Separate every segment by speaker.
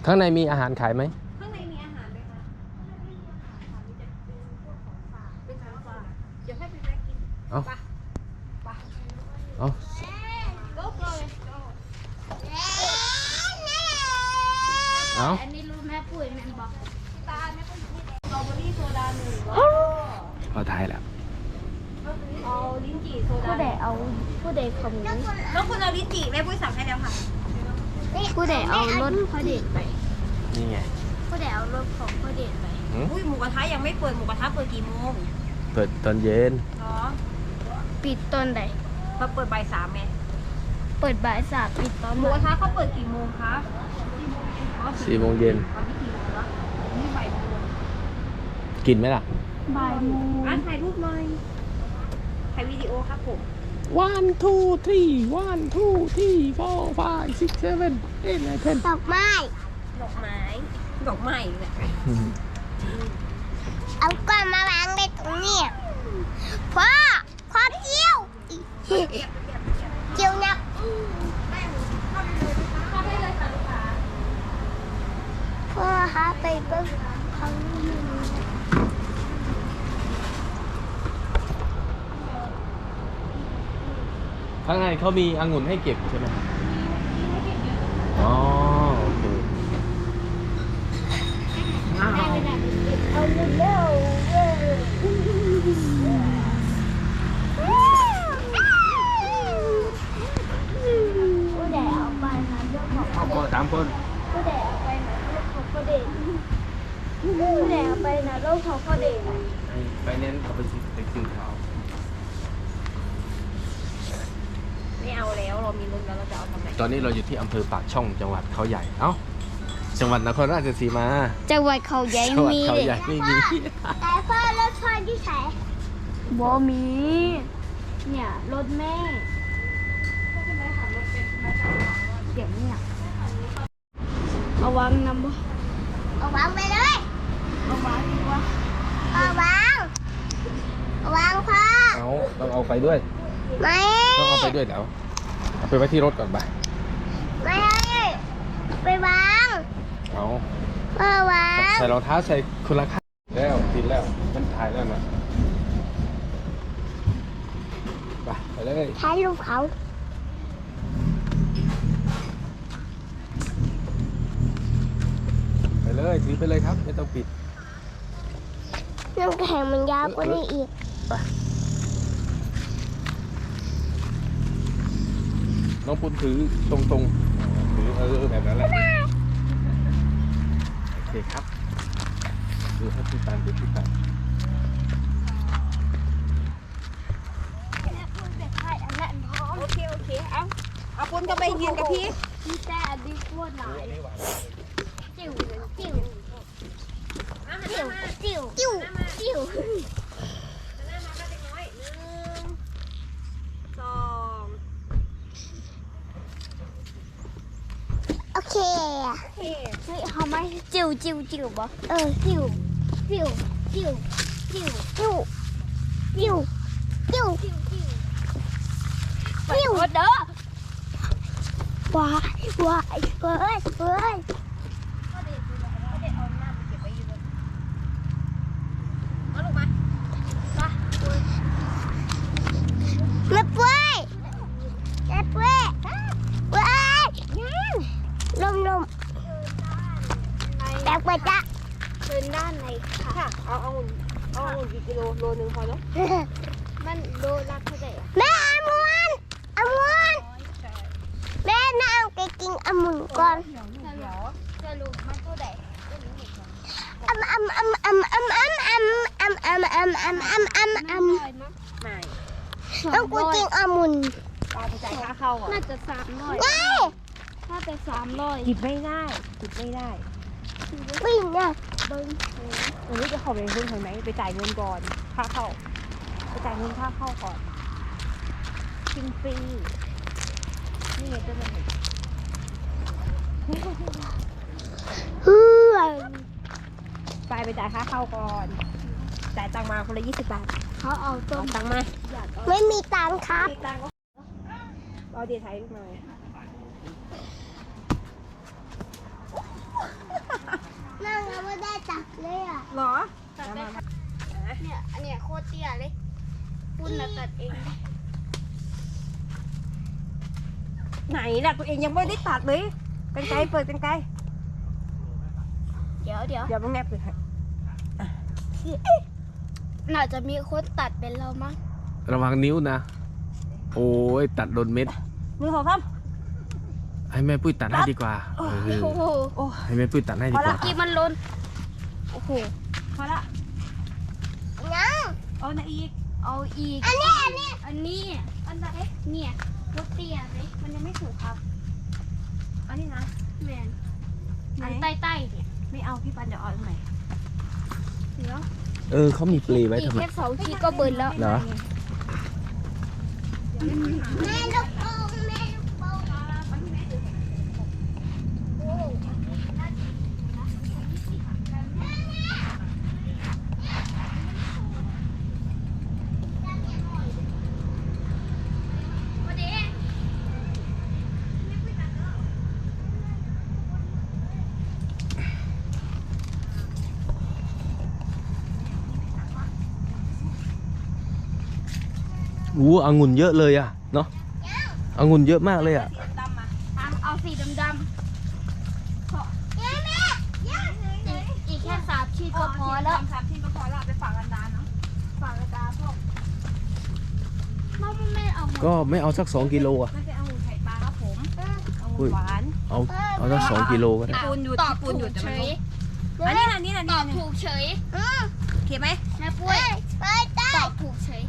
Speaker 1: ข้างในมีอาหารขายไหม
Speaker 2: ข้างในมีอาหารไหมคะมีแต่เป็นพวกของฝากเป็นของฝากเดี๋ยวให้ไปแวะกิน
Speaker 1: เอาเอา
Speaker 2: ก็เลย
Speaker 1: เอา
Speaker 3: อันนี้รู้แม่ปุ๋ยแม่บอก
Speaker 2: ตาเนี่ยก็อยู่ที่สตรอเบอรี่โซดาหนึ่ง
Speaker 1: พอทายแล้ว
Speaker 2: เอาลิ้นจี่โซดา
Speaker 3: ผู้ใดเอาผู้ใดขโมย
Speaker 2: แล้วคุณเอาลิ้นจี่แม่ปุ้ยสั่งให้แล้วค่ะ
Speaker 3: ผู้ใดเอารถพ่อเดชไป
Speaker 1: นี่ไง
Speaker 3: ผู้ใดเอารถของพ่อเดชไป
Speaker 2: อุ้ยหมูกระทะยังไม่เปิดหมูกระทะเปิดกี่โมง
Speaker 1: เปิดตอนเย็น
Speaker 2: เนาะ
Speaker 3: ปิดตอนใด
Speaker 2: เขาเปิดบ่ายสามไง
Speaker 3: เปิดบ่ายสามปิดตอน
Speaker 2: หมูกระทะเขาเปิดกี่โมงคะ
Speaker 1: 4 โมงเย็น
Speaker 2: ตอนนี้กี่โมงแล้วนี่บ่ายโมง
Speaker 1: กินไหมล่ะ
Speaker 3: บ่ายโมง
Speaker 2: ถ่ายรูปหน่อยถ่ายวิดีโอครับผม
Speaker 1: 1 2 3 1 2 3 4 5 6 7 8 9 10
Speaker 3: ดอกไม้
Speaker 2: ดอกไม้ดอกไม้เนี่ย
Speaker 3: เอาก้อนมาวางในตรงนี้พ่อเที่ยวเที่ยวนักพ่อหาไปเบิ่งของอยู่
Speaker 1: ข้างในเขามีองุ่นให้เก็บใช่ไหมอ๋อโอเค
Speaker 3: เอาเร็วผู้ใดเอาไปนะเรื่องของ
Speaker 1: ครอบครัว3 คน
Speaker 3: ผู้ใดเอาไปนะเรื่องของพ่อเด็กผู้ใดเอาไปนะเรื่องของพ่อเด็ก
Speaker 1: ไปเน้นเอาไปซื้อเขา
Speaker 2: ไม่เอาแล้วเรามีรถแล้วเราจะเอาทำไม
Speaker 1: ตอนนี้เราอยู่ที่อำเภอปากช่องจังหวัดเขาใหญ่เอ้าจังหวัดนครราชสีมา
Speaker 3: จังหวัดเขาใหญ่
Speaker 1: จังหวัด
Speaker 3: มี
Speaker 1: เขาใหญ่ไม่มี
Speaker 3: แต่พ่อรถพ่อที่ไหนบ่มี เนี่ยรถแม่เสียงเนี่ยเอาวางนำบ่เอาวางไปเลยเอาวางดีกว่าเอาวางพ่อ
Speaker 1: เอาต้องเอาไปด้วย
Speaker 3: ไม่
Speaker 1: ต้องเอาไปด้วยเดี๋ยวเอาไปไว้ที่รถก่อนไป
Speaker 3: ไม่ไปวาง
Speaker 1: เอา
Speaker 3: พ่อวาง
Speaker 1: ใส่รองเท้าใส่คนละข้างแล้วติดแล้วมันถ่ายแล้วนะไปเลย
Speaker 3: ถ่ายรูปเขา
Speaker 1: ไปเลยถือไปเลยครับไม่ต้องปิด
Speaker 3: น้ำแข็งมันยาวกว่านี้อีก
Speaker 1: ไปน้องปุ้นถือตรงๆถือแบบนั้นแหละโอเคครับดูให้พี่ตันดูพี่ตัน
Speaker 2: โอเคเอาปุ้นก็ไปยืนกับพี่
Speaker 3: พี่แต่ดีกว่าหลายจิ๋วจิ๋วจิ๋วจิ๋วจิ๋วจิ๋ว
Speaker 2: หน้ามาก็เล็กน้อย1 2
Speaker 3: โอเค
Speaker 2: เฮ้
Speaker 3: เฮ้ยเขาไม่จิ๋วจิ๋วจิ๋วบ่จิ๋วจิ๋วจิ๋วจิ๋วจิ๋วจิ๋วจิ๋วจิ๋วเด้อว้ายเฮ้ย
Speaker 2: ก็เด็ดเอาหน้าไปเก็บไว้อยู่เลยเอาลูกมา
Speaker 3: แม่ปุ้ยว้ายลมแต่ปะจ๊ะเดินด้านในค่ะ
Speaker 2: ค่ะเอาอุ่นกี่กิโลโลนึงพอเนาะ
Speaker 3: มันโดนรักเท่าไหร่แม่อมวนแม่นั่งไปกินองุ่นก่อนสรุปมันเท่าไหร่
Speaker 2: ไม่
Speaker 3: ต้องกูกินองุ่น
Speaker 2: ตาไปจ่ายค่าเข้าอ่ะ
Speaker 3: น่าจะ300น่าจะ300
Speaker 2: หยิบไม่ได้
Speaker 3: วิ่งเนี่ยเบิ้ง
Speaker 2: จะขอไปเพิ่มเห็นไหมไปจ่ายเงินก่อนค่าเข้าไปจ่ายเงินค่าเข้าก่อนกินฟรีนี่ไงจะเป็น ไปจ่ายค่าเข้าก่อนจ่ายตังมาคนละ20 บาท
Speaker 3: เขาเอาต้
Speaker 2: เอา
Speaker 3: ม
Speaker 2: ตังมา
Speaker 3: ไม่มีตังค์ครับ
Speaker 2: ตังก็เอาเดี๋ยวถ่ายรูปหน่อย
Speaker 3: คุณน่ะตัดเอง
Speaker 2: ไหนล่ะตัวเองยังไม่ได้ตัดเลยกันไกลเปิดกันไกล
Speaker 3: เดี๋ยว
Speaker 2: เดี๋ยวมึงแนบเลยค่ะ
Speaker 3: น่าจะมีคนตัดเป็นเรามั้ง
Speaker 1: ระวังนิ้วนะ โอ้ยตัดโดนเม็ด
Speaker 2: 1 2 3
Speaker 1: ให้แม่ปุ้ยตัดให้ดีกว่า
Speaker 3: โอ้โห
Speaker 1: ให้แม่ปุ้ยตัดให้ดีกว่า
Speaker 3: กี่มันล้นโอ้โห
Speaker 2: พอละ
Speaker 3: ยัง
Speaker 2: เอาไหนอีก
Speaker 3: เอาอีก อันนี้อันไหนเนี่ยรถเตี้ยไหมมันยังไม่ถูกครับ
Speaker 2: อันนี้นะ
Speaker 3: แมน
Speaker 2: ไหน
Speaker 3: อันใต้ๆเนี่ย
Speaker 2: ไม่เอาพี่ปันเดี๋ยวเอาอันไหน
Speaker 3: เดี๋ยว
Speaker 1: เขามีเปลไว้
Speaker 3: อีก
Speaker 1: ทำไม
Speaker 3: แค่2 ขีดก็เบิร์นแล้ว
Speaker 1: เหรอ
Speaker 3: แม่ลูกโป่งแม่ลูกโป่งโอ้
Speaker 1: องุ่นเยอะเลยอะเนาะองุ่นเยอะมากเลยอะ
Speaker 2: ดำมา
Speaker 3: เอาสีดำๆอีกแค่3 ขีดก็พอแล้ว
Speaker 2: 3 ที่ก็พอแล้วไปฝากกันดาเนาะ
Speaker 3: ฝากกระดาษพ่อแม่เอาหมด
Speaker 1: ก็ไม่เอาสัก2 กิโลอะ
Speaker 2: ไม่ใช่เอาไข่ปลาครับผมเอาหวาน
Speaker 1: เอาสัก2 กิโลก็ได้
Speaker 2: ปูนหยุด
Speaker 3: ตอบ
Speaker 2: ปูนหยุด
Speaker 3: ถูก
Speaker 2: แต่
Speaker 3: เฉ
Speaker 2: มัน
Speaker 3: ย
Speaker 2: อันนี้
Speaker 3: ตอบถูกเฉย
Speaker 2: โอเคไหม
Speaker 3: แม่ปุ้ยตอบถูกเฉย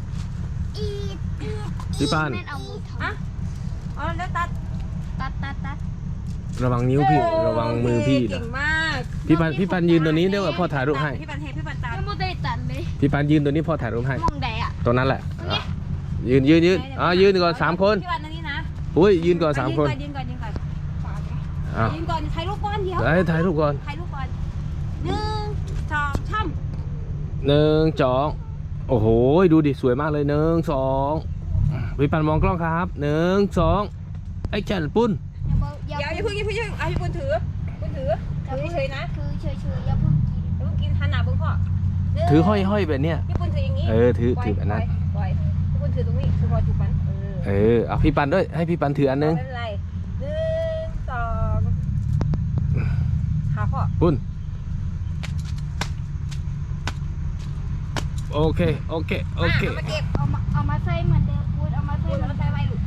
Speaker 1: พี่ปาน
Speaker 3: แม่เอามือท
Speaker 2: อ๋อแล้วตัด
Speaker 3: ตัด
Speaker 1: ระวังนิ้วพี่ระวังมือพี่
Speaker 2: เก่
Speaker 1: นะ
Speaker 2: งมาก
Speaker 1: พี่ปันยืนตัวนี้เดี๋ยวพ่อถ่ายรูปให้
Speaker 2: พี่ปันตัด
Speaker 3: ยังไม่ได้ตัดเลย
Speaker 1: พี่ปันยืนตัวนี้พ่อถ่ายรูปให้
Speaker 3: มองแดดอ่ะ
Speaker 1: ตัวนั้นแหละอ่ะยืนยืนก่อน3 คน
Speaker 2: พี่ปันอันนี้นะ
Speaker 1: อุ้ยยืนก่อน3 คน
Speaker 2: ยืนก่อน
Speaker 1: อ่ะ
Speaker 2: ยืนก่อนถ่ายรูปก่อนเดี๋ยว
Speaker 1: ให้ถ่ายรูปก่อน
Speaker 2: ถ่ายรูปก่อน1 2 3
Speaker 1: 1 2โอ้โหดูดิสวยมากเลย1 2พี่ปันมองกล้องครับ1 2ไอ้แก่นปุ้น
Speaker 2: เดี๋ยวอย่าเพิ่งเอาพี่ปุนถือเฉยนะ
Speaker 3: คือเฉยๆอย่าเพิ่งกิน
Speaker 2: อย่าเพิ่งกินหันหน้าเบิ่งพ่อ
Speaker 1: ถือห้อยแบบเนี้ย
Speaker 2: พี่ปุนถืออย่างนี้
Speaker 1: ถืออันนั้น
Speaker 2: ปล่อยพี่ปุนถือตรงนี้ถือพอจุกมัน
Speaker 1: เอาพี่ปันด้วยให้พี่ปันถืออันนึง
Speaker 2: ไม่เป็นไร1 2หาพ่อ
Speaker 1: ปุ้นโอเค
Speaker 2: มาเก็บ
Speaker 3: เอามาใส่เหมือนเดิมพูดเอามาใส่
Speaker 2: ปุน
Speaker 3: เหมือน
Speaker 2: มาใส่ไว้ลูก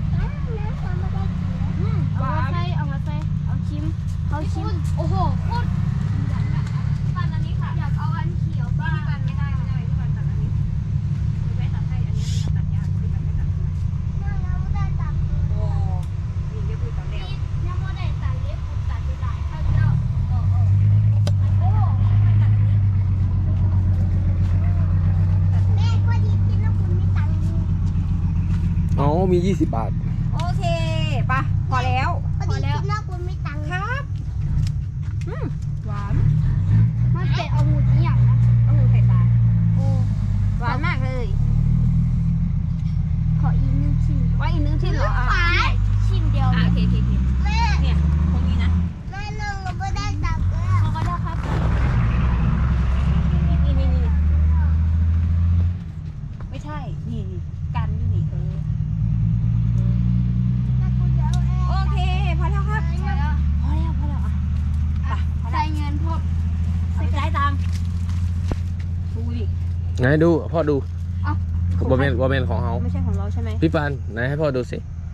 Speaker 3: เอามาใส่เอาชิมโอ้โหโคตรปันอันนี้ค่ะอยากเอาอันเขียวบ้าง
Speaker 2: พี่ปันไม่ได้พี่ปันตัดอันนี้ไม่ตัดให้อันนี้ตัดยากพี่ปันไม่ตัดโอ้ยเยอะคือตัดแล้ว
Speaker 3: ยังไม่ได้ตัดเล็บผมตัดไปหลายครั้งแล้วโอ้โห แม่พอดีกินแล้วคุณไม่ตังค์
Speaker 1: อ๋อมี20 บาท
Speaker 2: โอเคป่ะพอแล้ว
Speaker 3: พอดีกินแล้วคุณไม่ตังค์
Speaker 2: ครับหวาน
Speaker 3: มันเป็นเอาหมูนี่อย่างนะ
Speaker 2: เอามือไข่ปลา
Speaker 3: โอ้
Speaker 2: หวานมากเลย
Speaker 3: ขออีก1 ชิ้น
Speaker 2: ว่าอีกนึงที่เหรอ
Speaker 3: ชิ้นเดียว
Speaker 2: โอเคแม่เนี่ยตรงนี้นะ
Speaker 3: แม่นึงก็ไม่ได้ตังค์แล้วเขาก็ได้ครับ
Speaker 2: นี่ไม่ใช่นี่กันนี่โอเคพอแล้วครับพอแล้วอ่ะไป
Speaker 3: ใส่เงินพบ
Speaker 2: ใส่จ่ายตังค์ดูดิ
Speaker 1: ไหนดูพ่อดู
Speaker 3: เอ้า
Speaker 1: บอเมนของเขา
Speaker 2: ไม่ใช่ของเราใช่ไหม
Speaker 1: พี่ปันไหนให้พ่อดูสิ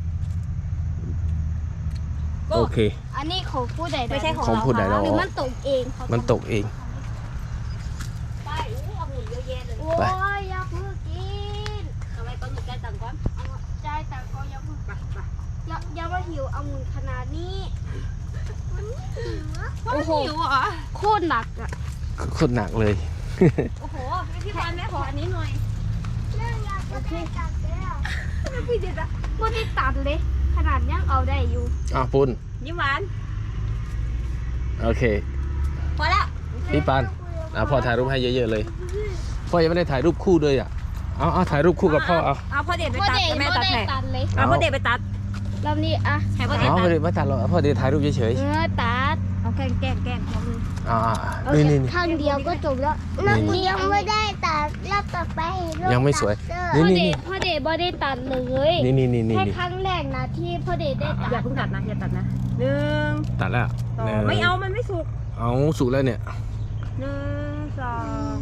Speaker 1: โอเค
Speaker 3: อันนี้ของผู้ใด
Speaker 2: ไม่ใช่ของ
Speaker 1: ของ
Speaker 2: เรา
Speaker 1: ผู้ใดเรา
Speaker 3: หรือมันตกเอง
Speaker 1: มันตกเอง
Speaker 2: ไปเอาหุ่นเยอะแยะเลย
Speaker 3: โอ้ยอย่าเพิ่งกิน
Speaker 2: เอาไว้ก่อนหนูจ่ายตังค์ก่อน
Speaker 3: เอาใจายแต่ก็อย่าเพิ่ง
Speaker 2: ไป
Speaker 3: อย่ามาหิวเอาหมุนขนาดนี้มันหิวอะ
Speaker 2: โอ้โห
Speaker 3: โคตรหนักอะ
Speaker 1: โคตรหนักเลย
Speaker 2: โอ้โหพี่พรแม่ขออันนี้หน่อย
Speaker 3: โอเคพี่เด็ดอะไม่ได้ตัดเลย ขนาดยังเอาได้อยู่
Speaker 1: ปุ้น
Speaker 2: ยิ้มหวาน
Speaker 1: โอเค
Speaker 2: พอแล้ว
Speaker 1: พี่ปันพ่อถ่ายรูปให้เยอะๆเลยพ่อยังไม่ได้ถ่ายรูปคู่เลยเอาถ่ายรูปคู่กับพ่อเอา
Speaker 2: เอาพ่อเด็ดไปตัดแม่ตัดให้
Speaker 3: ตัดเลย
Speaker 2: เอาพ่อเด็ดไปตัด
Speaker 3: รอบนี้อะ
Speaker 2: ให้พ่อเด็ด
Speaker 1: อ๋อ
Speaker 2: ตัด
Speaker 1: ไม่ตัดหรอกพ่อเดี๋ยวถ่ายรูปเฉย
Speaker 3: ตัด
Speaker 2: เอาแกล้งลองดู
Speaker 1: นี่
Speaker 3: ข้างเดียวก็จบแล้วรอบนี้ยังไม่ได้ตัดรอบต่อไป
Speaker 1: ยังไม่สวย
Speaker 3: พ่อ
Speaker 1: นี่
Speaker 3: เดชบ่ได้ตัดเลย
Speaker 1: นี่
Speaker 3: แค่ครั้งแรกนะที่พ่อเดชได้ตัด
Speaker 2: อย่าเพิ่งตัดนะอย่าตัดนะหนึ่ง
Speaker 1: ตัดแล้ว
Speaker 2: สองไม่เอามันไม่สุก
Speaker 1: เอาสุกแล้วเนี่ย
Speaker 2: หนึ่งสอง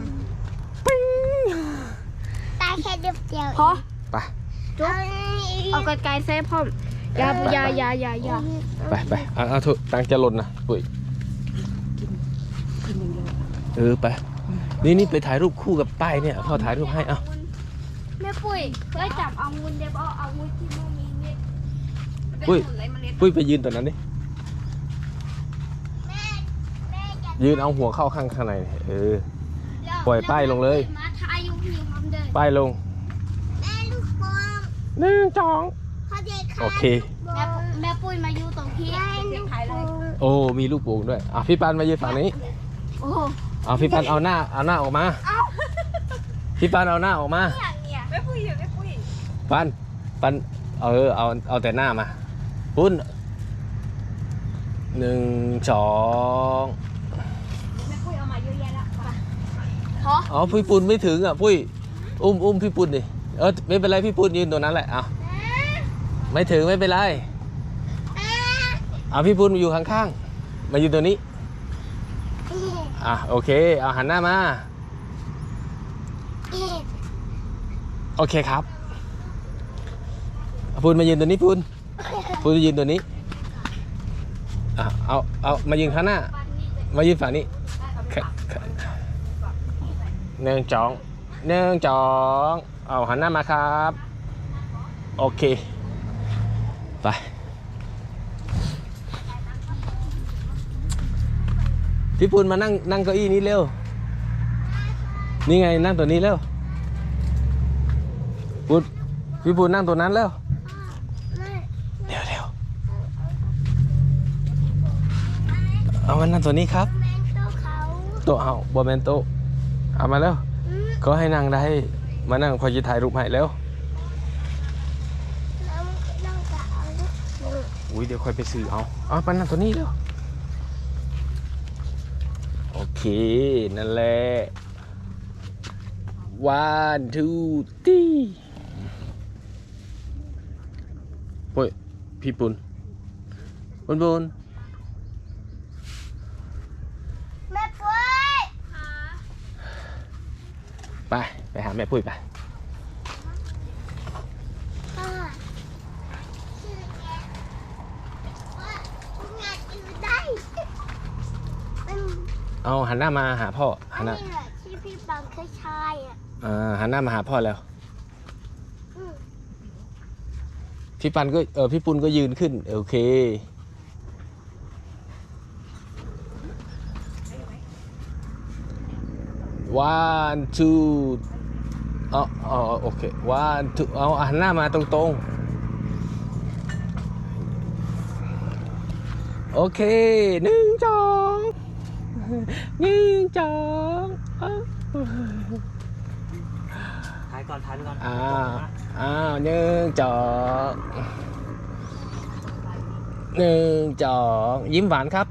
Speaker 3: ตายแค่เดียว
Speaker 2: พอ
Speaker 1: ไป
Speaker 3: จุ๊บเอากระไกเซฟพ่อมอย่า
Speaker 1: ไปเอาเถอะตังค์จะหล่นนะปุ้ยไปนี่ไปถ่ายรูปคู่กับป้ายเนี่ยพ่อถ่ายรูปให้เอา
Speaker 3: แม่ปุ้ยเคยจับเอางูเดี๋ยวเอางูที่ไม่มีเม็ด
Speaker 1: ปุ้ยไปยืนตรงนั้นดิ
Speaker 3: แม่จะ
Speaker 1: ยืนเอาหัวเข้าข้างในปล่อยป้ายลงเลย
Speaker 3: มาทายอยู่ที่ความเดิน
Speaker 1: ป้ายลง
Speaker 3: แม่ลูกโป่ง
Speaker 1: 1 2
Speaker 3: พ่อเดช
Speaker 1: โอเค
Speaker 3: แม่ปุ้ยมาอยู่ตรงที่ลูกโป่ง
Speaker 1: โอ้มีลูกโป่งด้วยพี่ปันมายืนฝั่งนี้
Speaker 3: โอ้
Speaker 1: พี่ปันเอาหน้าออกมาพี่ปันเอาหน้าออกมา
Speaker 3: อย่างเนี้ย
Speaker 2: ไม่ปุ้ยไม่ปุ้ย
Speaker 1: ปันเอาแต่หน้ามาปุ้น1 2
Speaker 2: แม่ปุ้ยเอามาเยอะแยะแล้ว
Speaker 3: พอ
Speaker 1: พี่ปุ้นไม่ถึงปุ้ยอุ้มพี่ปุ้นดิไม่เป็นไรพี่ปุ้นยืนตรงนั้นแหละไม่ถึงไม่เป็นไรพี่ปุ้นอยู่ข้างๆมาอยู่ตัวนี้โอเคเอาหันหน้ามาโอเคครับปุ้นมายืนตัวนี้ปุ้นมายืนตัวนี้เอามายืนข้างหน้ามายืนฝั่งนี้1 2เอาหันหน้ามาครับโอเคไปพี่ปุณมานั่งเก้าอี้นี้เร็วนี่ไงนั่งตัวนี้เร็วพี่ปุณนั่งตัวนั้นเร็วเร็วเอามานั่งตัวนี้ครับโต๊ะเอาบอแมนโต๊ะเอามาแล้วก็ให้นั่งได้มานั่งพอจะถ่ายรูปให้แล้วอุ้ยเดี๋ยวค่อยไปซื้อเอาไปนั่งตัวนี้เร็วโอเคนั่นแหละ 1 2 3โอ้ยพี่ปุณแม่ปุ้ยไปหาแม่ปุ้ยไปเอาหันหน้ามาหาพ่อหันหน้า
Speaker 3: ที่พี่บังเคยใช้
Speaker 1: หันหน้ามาหาพ่อแล้วพี่ปันก็พี่ปุณก็ยืนขึ้นโอเค1 2โอเค1 2เอาหันหน้ามาตรงๆโอเค1 2
Speaker 4: ถ่ายก่อน1
Speaker 1: 2ยิ้มหวานครับ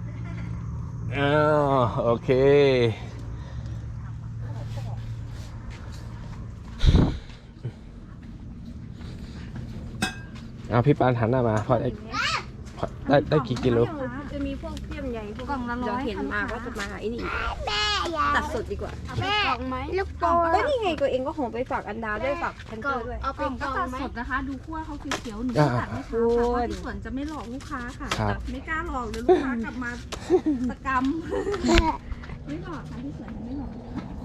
Speaker 1: โอเคพี่ปานหันหน้ามาพอได้กี่กิโล
Speaker 2: จะมีพวกเพี้ยมใหญ่พวก
Speaker 3: กล่องละ100
Speaker 2: เดี๋ยวเห็นมาก็จะมาหาไอ้นี่
Speaker 3: แม่อยา
Speaker 2: ตัดสดดีกว่า
Speaker 3: แม่ลูกโป่ง
Speaker 2: ก็นี่ไงตัวเองก็หงไปฝากอันดาด้วยฝากแพนเตอร์ด้วย
Speaker 3: เอา
Speaker 5: ก
Speaker 3: ไป
Speaker 5: ล่อง
Speaker 3: ก
Speaker 5: ก็
Speaker 3: ล่อง
Speaker 5: ตัด
Speaker 3: ไหม
Speaker 5: สดนะคะ ดูขั้วเขาเขียวๆหนูก็ตัดไม่ช้าค่ะเพราะที่สวนจะไม่หลอกลูกค้าค่ะ
Speaker 1: ครับ
Speaker 5: แต่ไม่กล้าหลอกเดี๋ยวลูกค้ากลับมาตะกรรมไม่หลอกค่ะที่สวนจะไม่หลอก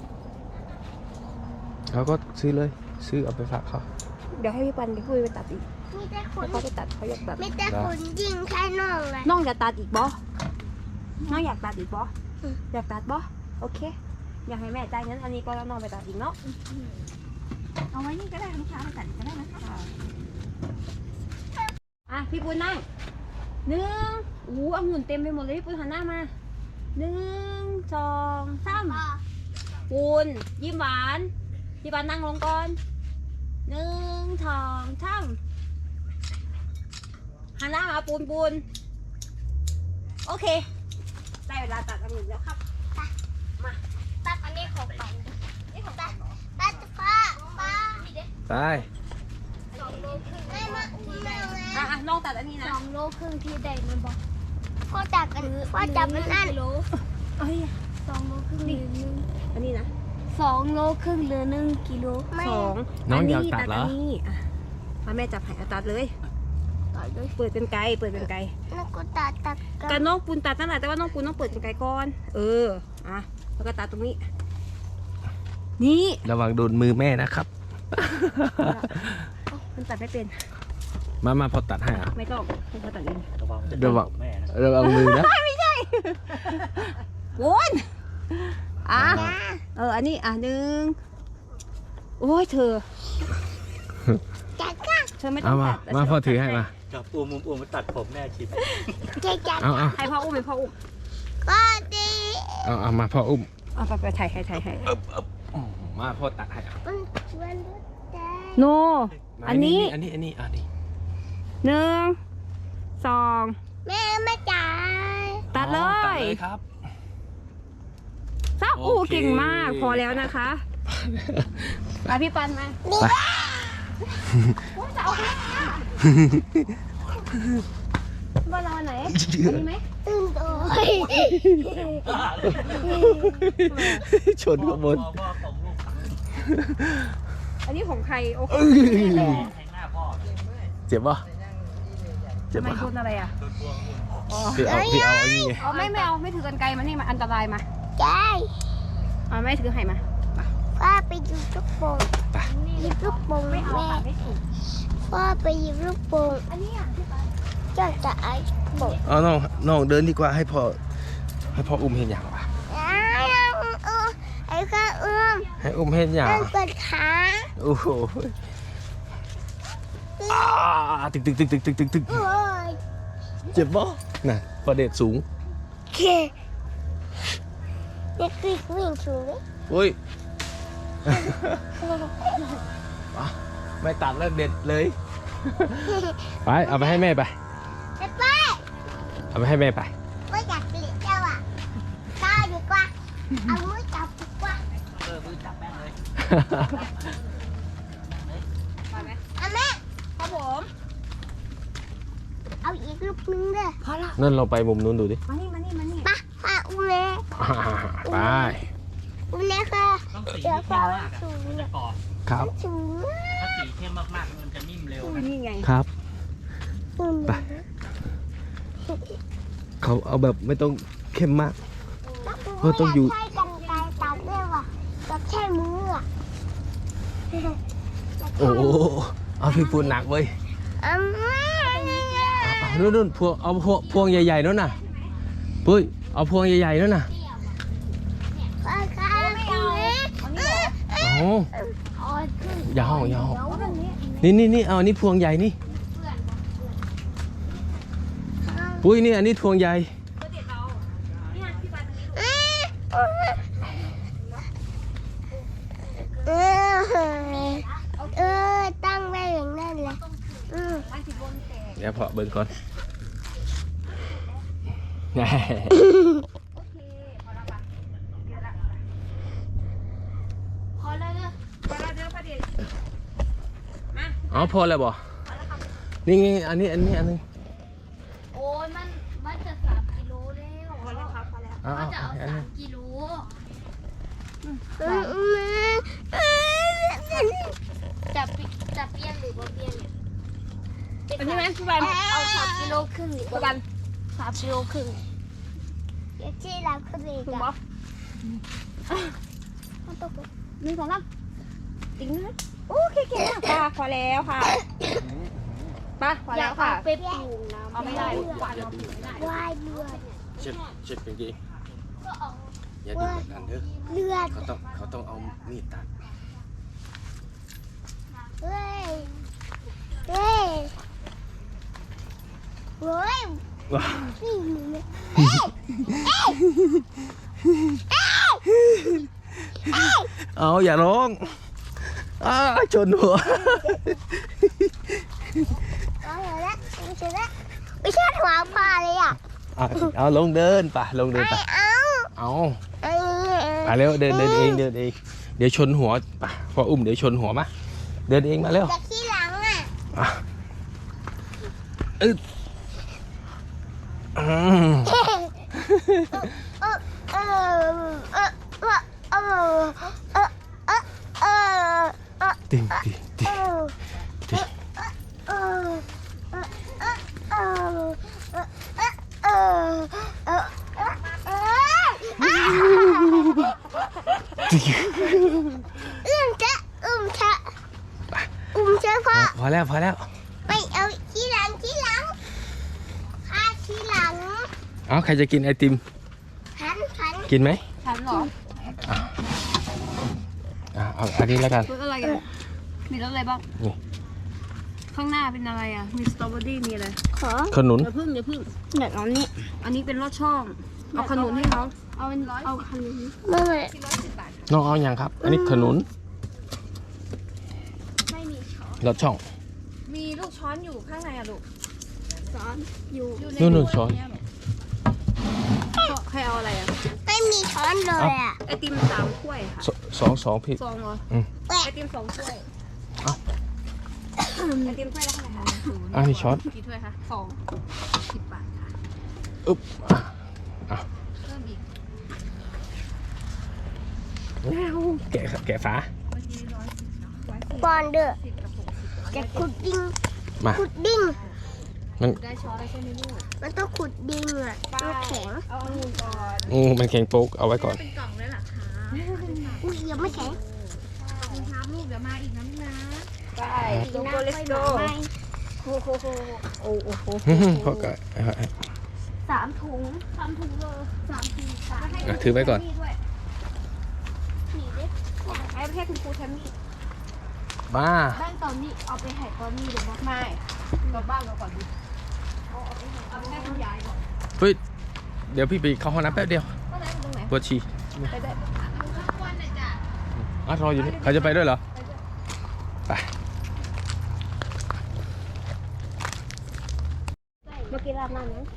Speaker 1: เขาก็ซื้อเลยซื้อเอาไปฝากเขา
Speaker 2: เดี๋ยวให้พี่ปันไปคุยไปตัดอีก
Speaker 3: มีแต่คน
Speaker 2: เขาไปตัดเขาอยากตัด
Speaker 3: มีแต่คนยิงแค่น้องเลย
Speaker 2: น้องจะตัดอีกบ่น้องอยากตัดอีกบ่อยากตัดบ่โอเค อยากให้แม่จ่ายเงินอันนี้ก็แล้วน้องไปตัดอีกเนาะ
Speaker 5: เอาไว้นี่ก็ได้ลูกค้าไปตัดก็ได้นะคะ
Speaker 2: พี่ปุ้นนั่งองุ่นเต็มไปหมดเลยพี่ปุ้นหันหน้ามา1 2 3ปุ้นยิ้มหวานพี่ปันนั่งลงก่อน1 2 3หันหน้ามาปูนโอเคได้เวลาตัดองุ่นแล้วครับ
Speaker 3: ตัดอันนี้ของปันนี่ของตัดตัดป้า
Speaker 1: ไป
Speaker 3: 2 โลครึ่งไม่มาอุ้มแม่ไง
Speaker 2: อ่ะน้องตัดอันนี้นะ
Speaker 3: 2 โลครึ่งที่ใดมันบอกพ่อจับกันพ่อจับมันนั่น
Speaker 2: เอ้ย
Speaker 3: 2 โลครึ่งหรือ1
Speaker 2: อันนี้นะ
Speaker 3: 2 โลครึ่งหรือ1 กิโลไม่
Speaker 2: สอง
Speaker 1: น้องอยากตัดเหรอ
Speaker 2: อันนี้อ่ะมาแม่จับให้เอาตัดเลย
Speaker 3: ต่อด้วย
Speaker 2: เปิดเป็นไกลเปิดเป็นไกล
Speaker 3: แล้วก็ตัดกั
Speaker 2: กา
Speaker 3: น
Speaker 2: รน้องปูนตัดนั่นแหละแต่ว่าน้องปูนต้องเปิดเป็นไกลก่อนอ่ะแล้วก็ตัดตรงนี้ นี่
Speaker 1: ระวังโดนมือแม่นะครับ
Speaker 2: มันตัดไม่เป็น
Speaker 1: มาพอตัดให้อ่ะ
Speaker 2: ไม่ต้องให้เขาตัดเอง
Speaker 1: ระวังมือนะ
Speaker 2: โวนอ่ะอันนี้อ่ะ1โอ้ยเธอ
Speaker 3: จัดกัน
Speaker 2: เธอไม่ต้
Speaker 1: เอา
Speaker 2: อง
Speaker 1: มา
Speaker 2: ตัด
Speaker 1: มาพ่อถือให้มา
Speaker 4: กับปูมุมปูมาตัดผมแม่ชิม
Speaker 3: จัด
Speaker 1: เอา
Speaker 2: ให้พ่ออุ้มให้พ่ออุ้ม
Speaker 3: ก็ดี
Speaker 1: เอามาพ่ออุ้ม
Speaker 2: เอาไปถ่ายให้
Speaker 1: มาพ่อตัดให้อ่ะ
Speaker 3: มันชวนรถแดง
Speaker 2: โนอันนี้
Speaker 1: อันนี้
Speaker 2: 1 2
Speaker 3: แม่ไม่จ่าย
Speaker 2: ตัดเล
Speaker 1: ตัด
Speaker 2: ย
Speaker 1: เลยครับ
Speaker 2: ซับ
Speaker 1: โอ
Speaker 2: อู้
Speaker 1: เค
Speaker 2: เก่งมากพอแล้วนะคะไปพี่ปันมา
Speaker 1: ไป
Speaker 2: จะเอาไปบ้านเราอันไหนอันนี้ไหม
Speaker 3: ตื่นตัว
Speaker 1: ชนข้างบน
Speaker 4: พ่อของลูก
Speaker 2: อันนี้ของใครโอเค
Speaker 4: แทงหน้าพ่อ
Speaker 1: เจ็บป่ะเจ็บ
Speaker 2: ทำไม
Speaker 1: ป่ะ
Speaker 2: โดนอะไรอ่ะ
Speaker 4: โดนพวง
Speaker 1: พี่เอาอย่างงี้
Speaker 2: เอาไม่เอาไม่ถือกันไกลมานี่มาอันตรายมา
Speaker 3: ใช่
Speaker 2: เอาไม่ถือให้มา
Speaker 3: พ่อไปหยิบลูกโป่งหยิบลูกโป่งแม่
Speaker 2: ไม่ถูก
Speaker 3: พ่อไปหยิบลูกโป่งอันนี้เจ้าจะไอ้โป่ง
Speaker 1: เอาน้องเดินดีกว่าให้พ่ออุ้มเห็นอย่างป่ะ
Speaker 3: ไอ้ข้า
Speaker 1: ให้อุ้มเห็นอย่าง
Speaker 3: นั่นเป็นขา
Speaker 1: โอ้โหตึก
Speaker 3: โอ้ย
Speaker 1: เจ็บป่ะน่ะประเด็ดสูง
Speaker 3: เคเด็กวิ่งชูเลย
Speaker 1: อุ้ย ไม่ตัดแล้วเด็ดเลย ไปเอาไปให้แม่ไป
Speaker 3: ไปไป
Speaker 1: เอาไปให้แม่ไป
Speaker 3: ไม่อยากเปลี่ยนเจ้าอ่ะก้าวดีกว่าเอามือจับดีกว่า
Speaker 4: มือจับแม่เลย
Speaker 3: เอาแม่
Speaker 2: ครับผม
Speaker 3: เอาอีกลูกนึงเลย
Speaker 2: พอละ
Speaker 1: นั่นเราไปมุมนู้นดูดิ
Speaker 2: มานี่
Speaker 3: ปะปะอุ้มเลย
Speaker 1: ไป
Speaker 3: อุ้มเลยค่ะ
Speaker 4: ต้องสี
Speaker 3: เดี๋ยว
Speaker 4: เข้
Speaker 3: พ่อ
Speaker 4: มมาก
Speaker 3: สูง
Speaker 4: มันจะกรอบ
Speaker 1: ครับ
Speaker 3: สูง
Speaker 4: ถ้าสีเข้มมากๆมันจะนิ่มเร็ว
Speaker 2: อุ้ย
Speaker 4: นะ
Speaker 2: นี่ไง
Speaker 1: ครับ
Speaker 3: อุ้ม
Speaker 1: ไป เขาเอาแบบไม่ต้องเข้มมาก เออต้องอยู่
Speaker 3: ใช้กันไกรตัดด้วยว่ะกับแค่มืออ่ะ
Speaker 1: โอ้โหเอาพี่ปูนหนักเว้ย
Speaker 3: เอาแม่
Speaker 1: นู่นพวงเอาพวงใหญ่ๆนู่นน่ะปุ้ยเอาพวงใหญ่ๆนู่นน่ะ
Speaker 3: พ่อค่ะคุณแม่
Speaker 1: โอ้
Speaker 3: อ๋อขึ้น
Speaker 1: ยาว
Speaker 3: เดี๋ยว
Speaker 1: นี่เอาอันนี้พวงใหญ่นี่ปุ้ยนี่อันนี้พวงใหญ่
Speaker 3: ตั้งไว้อย่างนั้นเลย
Speaker 1: เดี๋ยวพอเบิ่งก่อน
Speaker 3: พอแล้วเด้อ
Speaker 1: อ๋อพอแล้วบ่นี่ไงอันนี้อันนึง
Speaker 3: โอ้ยมันจะ3 กิโลแล้วพอแล้วครับพอแล้ว
Speaker 1: เอา
Speaker 3: เขาจะเอา
Speaker 1: อันนึง
Speaker 3: 3 กิโลจะเปรี้ยนหรือว่าเปรี้ยนเนี่ย
Speaker 2: อันนี้ไหมพี่ปัน
Speaker 3: เอา3 กิโลครึ่งหรือ
Speaker 2: พี่
Speaker 3: ว่า
Speaker 2: ปัน
Speaker 3: 3 กิโลครึ่งเดี๋ยวที่เราขึ้นอีก
Speaker 2: ถูก
Speaker 3: อ่ะ
Speaker 2: ปะ1 2 3ติ๊งนะโอเคเก่งมากค่ะพอแล้วค่ะไปพอ
Speaker 3: อ
Speaker 2: แล้
Speaker 3: ยาว ก
Speaker 2: ค่ะ
Speaker 3: เอาไปปรุงน้ำ
Speaker 2: เอาไม่ได้หวานเราไม่ได้
Speaker 3: ว่ายเลือด
Speaker 1: เช็ดกางเกง
Speaker 3: ก็เอา
Speaker 1: อย่าดูแบบนั้นเด้อ
Speaker 3: เลือด
Speaker 1: เขาต้องเอามีดตัด
Speaker 3: เฮ้ยเฮ้ยเฮ้ย
Speaker 1: ว้า
Speaker 3: นี่มึงเนี่ยเอ้ยเอ้ยเอ้ย
Speaker 1: เอาอย่าร้องชนหัว
Speaker 3: เอาเถอะละไม่ใช่ละไม่ใช่หัวปลาเลยอ่ะ
Speaker 1: เอาลงเดินป่ะลงเดิน
Speaker 3: ไม่
Speaker 1: ป่ะ
Speaker 3: เอา
Speaker 1: เอา
Speaker 3: ไอ้
Speaker 1: มาเร็วเดินเองเดินเองเดี๋ยวชนหัวไปพออุ้มเดี๋ยวชนหัวมาเดินเองมาเร็ว
Speaker 3: แต่ที่หลังอ่ะ
Speaker 1: อ่ะอึดอืม ติ่งติ่งติ่งติ่ง
Speaker 3: พ่อ
Speaker 1: พอแล้วพอแล้ว
Speaker 3: ไปเอาที่หลังข้าที่หลัง
Speaker 1: เอาใครจะกินไอติม
Speaker 3: หัน
Speaker 1: กินไหม
Speaker 2: ฉันเหรอ
Speaker 1: เอาอันนี้แล้วกัน
Speaker 2: รสอะไรกันมีรสอะไรบ้าง
Speaker 1: นี่
Speaker 2: ข้างหน้าเป็นอะไรอ่ะมีสตรอเบอรี่มีอะไร
Speaker 3: ขอ
Speaker 1: ขนุน
Speaker 2: อย่าพึ่ง
Speaker 3: เด็กน้องนี่
Speaker 2: อันนี้เป็นรสช่องเอาขนุนให้เขา
Speaker 3: เอาคันนี้ไม่
Speaker 1: น้องเอาอย่างครับ อันนี้ขนุน
Speaker 3: ไม่มีช้อน
Speaker 1: รสช่อง
Speaker 5: มีลูกช้อนอยู่ข้างในอะลูก
Speaker 3: ช้อนอยู่
Speaker 1: นู่นช้อน
Speaker 2: ใครเอาอะไรอ่ะ
Speaker 3: ไม่มีช้อนเลยอ่ะ
Speaker 2: ไอติม3 ถ้วยค่ะ
Speaker 1: สองพี่
Speaker 2: ซองเหรอ
Speaker 3: แหวะ
Speaker 2: ไอติม2 ถ้วย
Speaker 1: เอ้า
Speaker 2: ไอติมถ้วยละเท่าไหร่คะ
Speaker 1: อันนี้ช้อน
Speaker 2: กี่ถ้วยคะ2 10 บาทค่ะ
Speaker 1: อึ๊บอ่ะ
Speaker 2: เพิ่มอีก
Speaker 1: แกะฝา
Speaker 3: บอลเด้อ
Speaker 2: 10 กับ 60
Speaker 3: จะขุดดิ้ง
Speaker 1: มา
Speaker 3: ขุดดิ้ง
Speaker 2: ได้ช้อนแล้วใช่ไหมลูก
Speaker 3: มันต้องขุดดิ้งอ่ะมันแข็ง
Speaker 2: เอาองุ่นก่อน
Speaker 1: มันแข็งโป๊กเอาไว้ก่อน
Speaker 5: เป็นกล่องเลยเหรอคะ
Speaker 3: อุ้ยยังไม่แข็ง
Speaker 5: มีครับลูกเดี๋ยวมาอีกนะลูกนะ
Speaker 2: ไปโกโก้เลสโก
Speaker 3: โอ้โห
Speaker 2: โอ้โห
Speaker 1: พ่อก็
Speaker 3: 3 ถุงเลย3 ถุง3
Speaker 1: ถือไว้ก่อน
Speaker 3: นี่เด็ก
Speaker 2: ไอ้ประเทศคุณครูแทมมี่
Speaker 1: บ้า
Speaker 3: บ้านตอนนี้เอาไปให้ตอนนี้หรือว่า
Speaker 2: ไม่กลับบ้านเราก่อนดิเอาไปให้คุณยายก่อน
Speaker 1: เฮ้ยเดี๋ยวพี่ไปเข้าห้องน้ำแป๊บเดียว
Speaker 2: ก็ไหนตรงไหน
Speaker 1: ปวดฉี่
Speaker 2: ไปได้
Speaker 1: รออยู่นี่เขาจะไปด้วยเหรอไป
Speaker 3: เมื่อกี้ราดน้ำนั้น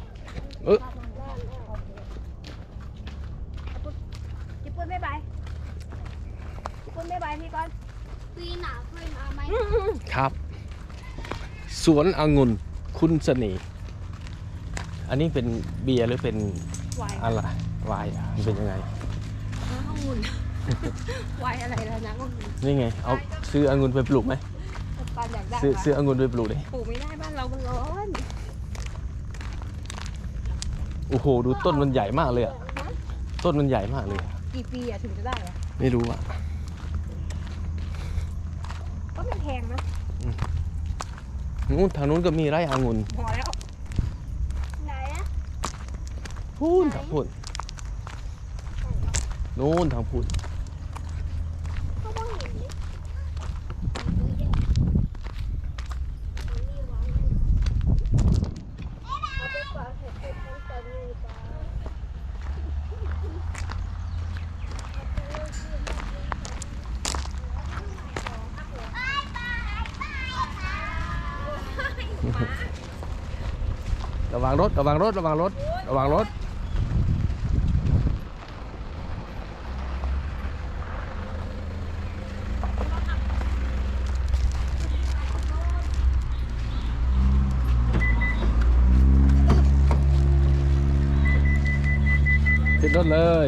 Speaker 2: ญี่ปุ่นบ๊ายบายญี่ปุ่นบ๊ายบายพี่ก่อน
Speaker 3: ปีหนาเคยมาไหม
Speaker 1: ครับ สวนองุ่นคุณเสน่ห์อันนี้เป็นเบียร์หรือเป็น
Speaker 2: วาย
Speaker 1: อะไรวายอ่ะมันเป็นยังไง
Speaker 2: น้ำองุ่นวายอะไรแล้วน้ำองุ่น
Speaker 1: นี่ไง เอาซื้อองุ่นไปปลูกไหม
Speaker 2: ปานอยากได้
Speaker 1: ซื้อองุ่นไปปลูกดิ
Speaker 2: ปลูกไม่ได้บ้านเรามันร้อน
Speaker 1: โอ้โหดูต้นมันใหญ่มากเลยอ่ะต้นมันใหญ่มากเลยอะ
Speaker 2: กี่ปีอะถึงจะได้อะ
Speaker 1: ไม่รู้อ่ะ
Speaker 2: ก็มันแพงนะ
Speaker 1: นู้นทางนู้นก็มีไร่องุ่น
Speaker 2: พอแล้ว
Speaker 3: ไหนอะ
Speaker 1: พูนทางพูนนู้นทางพูน
Speaker 3: เขาต้องเห็นดิเอาไปฝากเห็ดเป็นทั้งตอนนี้จ้า
Speaker 1: ระวังรถระวังรถระวังรถระวังรถขึ้นรถเลย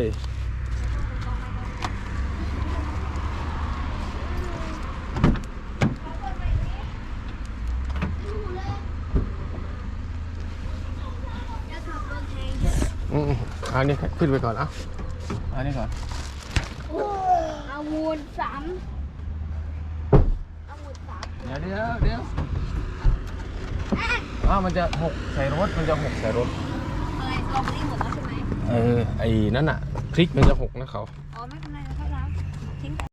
Speaker 1: อันนี้ขึ้นไปก่อนอันนี้ก่อน
Speaker 3: เอางูน3เอางูน3
Speaker 1: เดี๋ยวมันจะหกใส่รถมันจะหกใส่รถ
Speaker 2: อะไรสตรอเบอรี่หมดแล้วใช่ไหม
Speaker 1: ไอ้นั่นอ่ะพริกมันจะหกนะเขา
Speaker 2: อ๋อไม่เป็นไร